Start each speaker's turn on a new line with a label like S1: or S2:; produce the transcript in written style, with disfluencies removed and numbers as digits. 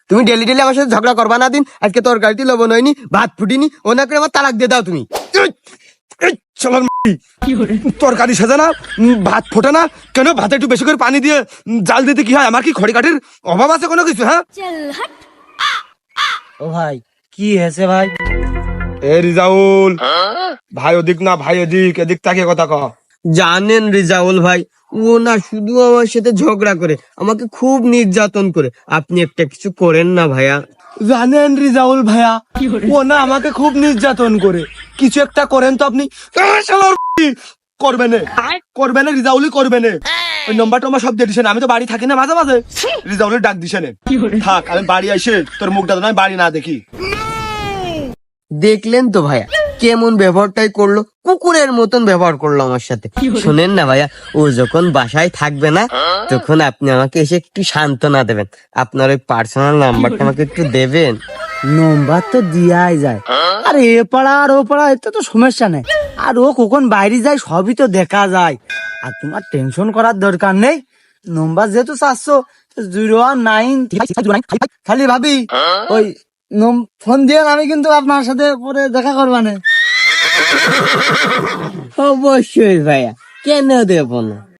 S1: তুমি daily daily আমার সাথে ঝগড়া করবা না দিন। আজকে তরকারিতে লবণ হয়নি, ভাত ফুটিনি, ও না করে আমার তালাক দিয়ে দাও তুমি।
S2: তরকারি সাজা না, ভাত ফোটা না কেন? ভাতে একটু বেশি করে পানি দিয়ে জাল দিতে কি হয়? আমার কি খড়ি কাঠের অভাব আছে কোনো কিছু? হ্যাঁ
S3: ও ভাই, কি হয়েছে ভাই?
S2: এ রিজাউল ভাই, ওদিক না ভাই এদিক, এদিক তাকিয়ে কথা কহ।
S1: জানেন রিজাউল ভাই, ও না শুধু আমার সাথে ঝগড়া করে, আমাকে খুব নির্যাতন করে। আপনি একটা কিছু করেন না ভাইয়া।
S2: জানেন রিজাউল ভাইয়া, ও না আমাকে খুব নির্যাতন করে, কিছু একটা করেন তো আপনি। করবে না, করবে না রিজাউলই করবে না। ওই নম্বরটা আমার সব দিয়ে দিছেন, আমি তো বাড়ি থাকি না, মাঝে মাঝে রিজাউলের ডাক দিছেন। থাক, আমি বাড়ি এসে তোর মুখটা তো নয় বাড়ি না দেখি।
S1: দেখলেন তো ভাইয়া, কেমন ব্যবহারটাই করলো, কুকুরের মতন ব্যবহার করলো আমার সাথে। শুনেন না ভাইয়া, ও যখন বাসায় থাকবে না, তখন আপনি আমাকে এসে একটু সান্ত্বনা দেবেন। আপনার ওই পার্সোনাল নাম্বারটা আমাকে একটু দেবেন।
S3: নম্বর তো দিয়াই যায়, আর এ পাড়া আর ও পাড়া এতে তো সমস্যা নেই। আর ও কখন বাইরে যায় সবই তো দেখা যায়। আর তোমার টেনশন করার দরকার নেই। নম্বর যেহেতু 400-09, খালি ভাবি ওই ফোন দিয়ে আমি কিন্তু আপনার সাথে পরে দেখা করবানে।
S1: অবশ্যই ভাইয়া, কেন দেব না।